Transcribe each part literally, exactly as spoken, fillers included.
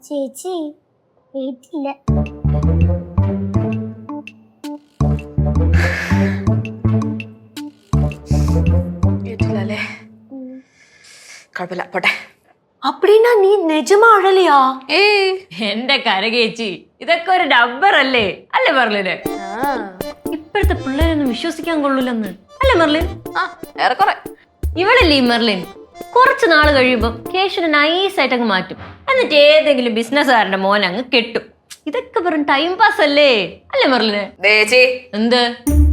ചേച്ചി വീട്ടില്ല. വീട്ടിലല്ലേ? കുഴപ്പമില്ല, പോട്ടെ. அப்படின்னா நீ நிஜமா அழலையா? ഏയ് എന്റെ കരകേച്ചി, ഇതൊക്കെ ഒരു ഡബ്ബർ അല്ലേ അല്ലേ മെർലിന്? ഇപ്പോഴത്തെ പിള്ളേരൊന്നും വിശ്വസിക്കാൻ കൊള്ളൂലെന്ന് അല്ലേ മെർലിൻ? ആ ഏറെക്കുറെ. ഇവളല്ലേ ഈ മെർലിൻ? കുറച്ച് നാള് കഴിയുമ്പോ കേശുനെ നൈസായിട്ട് അങ്ങ് മാറ്റും, എന്നിട്ട് ഏതെങ്കിലും ബിസിനസ്സുകാരന്റെ മോൻ അങ്ങ് കെട്ടും. ഇതൊക്കെ വെറും ടൈം പാസ് അല്ലേ അല്ലേ മെർലിന്? ദേച്ചി എന്ത്?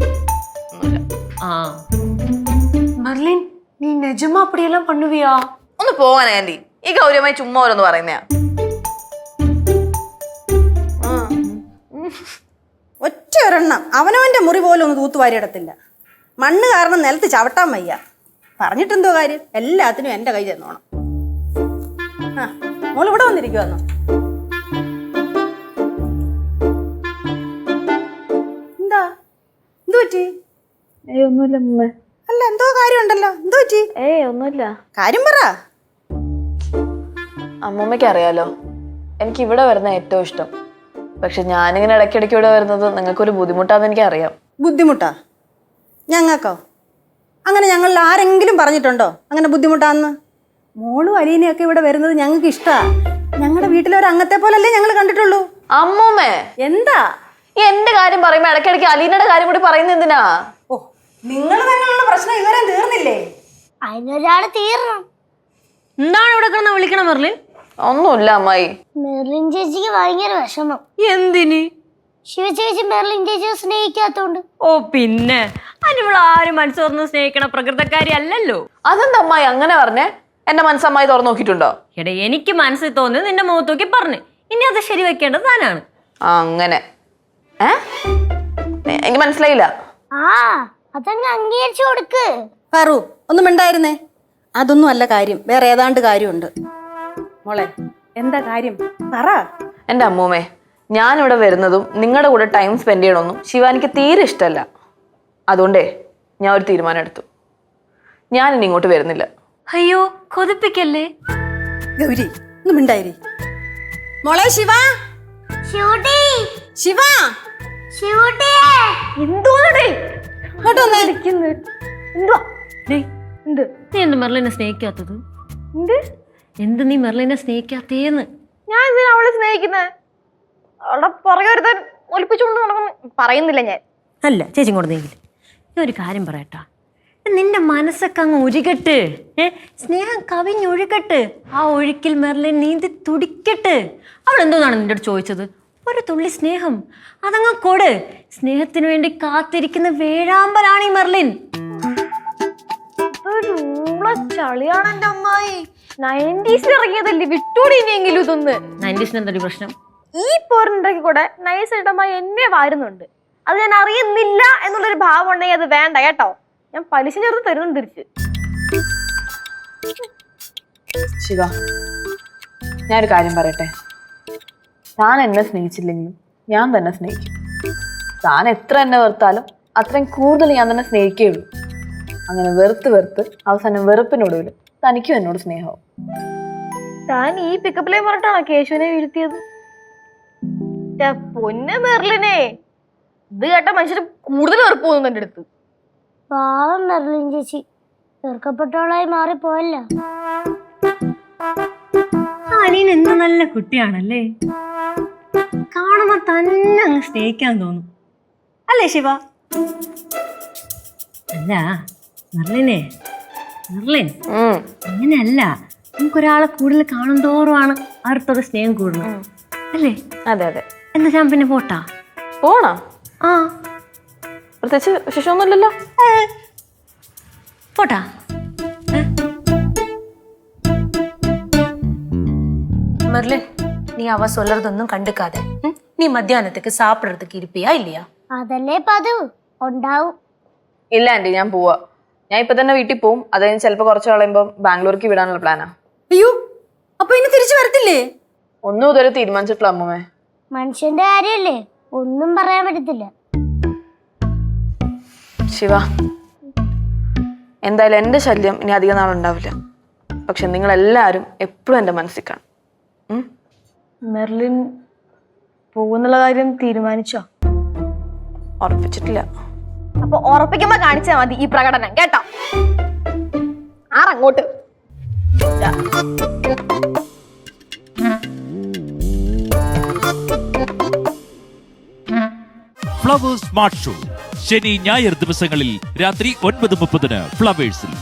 ആ மர்லின் நீ நிஜமா அப்படியெல்லாம் பண்ணுவியா? ഒന്ന് പോവാൻ ആൻറ്റി. ഈ ഗൗരവമായി ചുമ്മാ ഓരോന്ന് പറയുന്നയാ. ഒറ്റ ഒരെണ്ണം അവനവന്റെ മുറി പോലും ഒന്ന് തൂത്തുവാരിയിടത്തില്ല. മണ്ണ് കാരണം നിലത്ത് ചവിട്ടാൻ വയ്യ. പറഞ്ഞിട്ടെന്തോ കാര്യം, എല്ലാത്തിനും എൻ്റെ കൈ ചെന്നോണം. ആ മോൾ ഇവിടെ വന്നിരിക്കുവാന്നോ? എന്താ എന്തു പറ്റി? ഏയ് ഒന്നുമില്ല മുമ്മേ. അല്ല എന്തോ കാര്യമുണ്ടല്ലോ, എന്തു പറ്റി? ഏയ് ഒന്നുമില്ല. കാര്യം പറ. അമ്മൂമ്മയ്ക്ക് അറിയാലോ എനിക്ക് ഇവിടെ വരുന്ന ഏറ്റവും ഇഷ്ടം. പക്ഷെ ഞാനിങ്ങനെ ഇടയ്ക്കിടയ്ക്ക് ഇവിടെ വരുന്നത് നിങ്ങൾക്കൊരു ബുദ്ധിമുട്ടാന്ന് എനിക്ക് അറിയാം. ബുദ്ധിമുട്ടാ ഞങ്ങൾക്കോ? അങ്ങനെ ഞങ്ങളിൽ ആരെങ്കിലും പറഞ്ഞിട്ടുണ്ടോ അങ്ങനെ ബുദ്ധിമുട്ടാന്ന്? മോളും അലീനയൊക്കെ ഇവിടെ വരുന്നത് ഞങ്ങൾക്ക് ഇഷ്ടമാണ്. ഞങ്ങളുടെ വീട്ടിലെ ഒരു അംഗത്തെ പോലല്ലേ ഞങ്ങൾ കണ്ടിട്ടുള്ളൂ. അമ്മൂമ്മേ എന്താ ഈ എന്റെ കാര്യം പറയുമ്പോ ഇടയ്ക്കിടയ്ക്ക് അലീനയുടെ കാര്യം കൂടി പറയുന്നത് എന്തിനാ? ഓ നിങ്ങൾ തന്നെയുള്ള പ്രശ്നം ഇവരെ തീർന്നില്ലേ? അതിനൊരാള് തീർണം. എന്താണ് ഇവിടെ കിടന്ന് വിളിക്കണം മെർലിൻ? ഒന്നുമില്ല അമ്മായി. മെർലിൻ ചേച്ചിക്ക് ഭയങ്കര വിഷമം. എന്തിന്? ശിവ ചേച്ചി മെർലിൻ ചേച്ചിയെ സ്നേഹിക്കാത്തോണ്ട്. ഓ പിന്നെ അതിനിവൾ ആരും മനസ്സ് തുറന്ന് സ്നേഹിക്കണ പ്രകൃതക്കാരി അല്ലല്ലോ. അതെന്താ അമ്മായി അങ്ങനെ പറഞ്ഞേ? എന്റെ മനസ്സമ്മായി തുറന്നു നോക്കിയിട്ടുണ്ടോ? എടാ എനിക്ക് മനസ്സിൽ തോന്നി നിന്റെ മുഖത്ത് നോക്കി പറഞ്ഞു. ഇനി അത് ശരി വെക്കേണ്ടത് താനാണ്. ആ അങ്ങനെ ഏ എനിക്ക് മനസ്സിലായില്ല. ആ അതങ്ങ് അംഗീകരിച്ചു കൊടുക്ക്. പറു ഒന്നും മിണ്ടായിരുന്നേ. അതൊന്നും അല്ല കാര്യം, വേറെ ഏതാണ്ട് കാര്യമുണ്ട്. മോളെ എന്താ കാര്യം പറ. എൻ്റെ അമ്മൂമ്മേ, ഞാനിവിടെ വരുന്നതും നിങ്ങളുടെ കൂടെ ടൈം സ്പെൻഡ് ചെയ്യണമെന്നും ശിവാനിക്ക് തീരെ ഇഷ്ടമല്ല. അതുകൊണ്ടേ ഞാൻ ഒരു തീരുമാനം എടുത്തു. ഞാനിനി ഇങ്ങോട്ട് വരുന്നില്ല. അയ്യോ കൊതിപ്പിക്കല്ലേ. ഗൗരി ഒന്നും മിണ്ടായിരി. മോളെ ശിവ, ശിവട്ടി ശിവ ശിവട്ടി എന്തോന്നടേ ഇങ്ങോട്ട് വന്നേ. എന്തുവാ? ഡേയ്, എന്ത് നീ എന്ത് മെർലിനെ സ്നേഹിക്കാത്തത്? എന്ത് എന്ത് നീ മെർലിനെ സ്നേഹിക്കാത്തേന്ന്? ഞാൻ എന്തിനാ അവളെ സ്നേഹിക്കുന്നത്? അവളുടെ പുറകെ ഒരുത്തൻ ഒലിപ്പിച്ചുകൊണ്ട് നടക്കുന്നു. പറയുന്നില്ല ഞാൻ. അല്ല ചേച്ചി കൊണ്ട് നീങ്ങില്ല. ഞാൻ ഒരു കാര്യം പറയട്ടാ, നിന്റെ മനസ്സൊക്കെ അങ്ങ് ഒഴുകട്ട്. ഏ സ്നേഹം കവിഞ്ഞൊഴുകട്ട്. ആ ഒഴുക്കിൽ മെർലിൻ നീന്തി തുടിക്കട്ട്. അവൾ എന്തോന്നാണ് നിന്റെ അടുത്ത് ചോദിച്ചത്? ഒരു തുള്ളി സ്നേഹം, അതങ്ങ് കൊട്. സ്നേഹത്തിന് വേണ്ടി കാത്തിരിക്കുന്ന വേഴാമ്പലാണ് ഈ മെർലിൻ. ചളിയാണ് എന്റെ അമ്മായി. നയൻറ്റീസിൽ ഇറങ്ങിയതല്ലേ, വിട്ടൂടി ഇനിയെങ്കിലും ഇതൊന്ന്. നയൻറ്റീസിന് എന്തൊരു പ്രശ്നം? ഈ പോറിനുണ്ടെങ്കിൽ കൂടെ നൈസ് ആയിട്ട് അമ്മായി എന്നെ വാരുന്നുണ്ട്. അത് ഞാൻ അറിയുന്നില്ല എന്നുള്ളൊരു ഭാവം ഉണ്ടെങ്കിൽ അത് വേണ്ട കേട്ടോ. ഞാൻ പലിശ ചേർത്ത് തരുന്നു തിരിച്ച്. ശിവ, ഞാനൊരു കാര്യം പറയട്ടെ. താൻ എന്നെ സ്നേഹിച്ചില്ലെങ്കിലും ഞാൻ തന്നെ സ്നേഹിക്കും. താൻ എത്ര എന്നെ വെറുത്താലും അത്രയും കൂടുതൽ ഞാൻ തന്നെ സ്നേഹിക്കുകയുള്ളൂ. അങ്ങനെ വെറുത്ത് വെറുത്ത് അവസാനം വെറുപ്പിനൊടുവിൽ തനിക്കും എന്നോട് സ്നേഹവും. താൻ ഈ പിക്കപ്പിലേ പറഞ്ഞിട്ടാണോ കേശുവിനെ വീഴ്ത്തിയത്? പൊന്നെ മെർലിനെ, ഇത് കേട്ട മനുഷ്യര് കൂടുതൽ വെറുപ്പ് പോകുന്നു എന്റെ അടുത്ത്. പാവം മെർലിൻ ചേച്ചി വെറുക്കപ്പെട്ടവളായി മാറിപ്പോയല്ലോ. അലീൻ എന്ത് നല്ല കുട്ടിയാണല്ലേ. കാണുമ്പോ തന്നെ അങ്ങ് സ്നേഹിക്കാൻ തോന്നും അല്ലേ ശിവ? അല്ല മെർലിനെ, മെർലിൻ അങ്ങനെയല്ല. നമുക്കൊരാളെ കൂടുതൽ കാണും തോറുമാണ് അടുത്തൊരു സ്നേഹം കൂടുന്നത് അല്ലേ? അതെ അതെ. എന്നാ ഞാൻ പിന്നെ പോട്ടാ. പോണോ? ആ പ്രത്യേകിച്ച് വിശേഷമൊന്നുമില്ലല്ലോ. போட்டா மெர்லின், நீ அவ சொல்றதொன்னும் கண்டுக்காத. நீ மத்தியானத்துக்கு சாப்பிடுறதுக்கு இருப்பியா இல்லையா? അതല്ലേ പതിവ് ഉണ്ടാവും. ഇല്ല ആന്റി, ഞാൻ പോവാ. ഞാൻ ഇപ്പൊ തന്നെ വീട്ടിൽ പോവും. അത് കഴിഞ്ഞ് ചിലപ്പോ കുറച്ച് കളയുമ്പോ ബാംഗ്ലൂർക്ക് വിടാനുള്ള പ്ലാനാ. അയ്യോ അപ്പൊ ഇനി തിരിച്ചു വരത്തില്ലേ? ഒന്നും ഇതുവരെ തീരുമാനിച്ചിട്ടില്ല അമ്മൂമ്മേ. മനുഷ്യന്റെ കാര്യല്ലേ, ഒന്നും പറയാൻ പറ്റത്തില്ല. ശിവ, എന്തായാലും എൻ്റെ ശല്യം ഇനി അധികം നാളുണ്ടാവില്ല. പക്ഷെ നിങ്ങളെല്ലാവരും എപ്പോഴും എൻ്റെ മനസ്സിൽ കാണും. മെർലിൻ പോകുന്നുള്ള കാര്യം തീരുമാനിച്ചോ? ഉറപ്പിച്ചിട്ടില്ല. അപ്പൊ ഉറപ്പിക്കുമ്പോ കാണിച്ചാ മതി ഈ പ്രകടനം, കേട്ടോ? ആറങ്ങോട്ട്. ഫ്ലവേഴ്സ് സ്മാർട്ട് ഷോ ശനി ഞായർ ദിവസങ്ങളിൽ രാത്രി ഒൻപത് മുപ്പതിന് ഫ്ലവേഴ്സിൽ.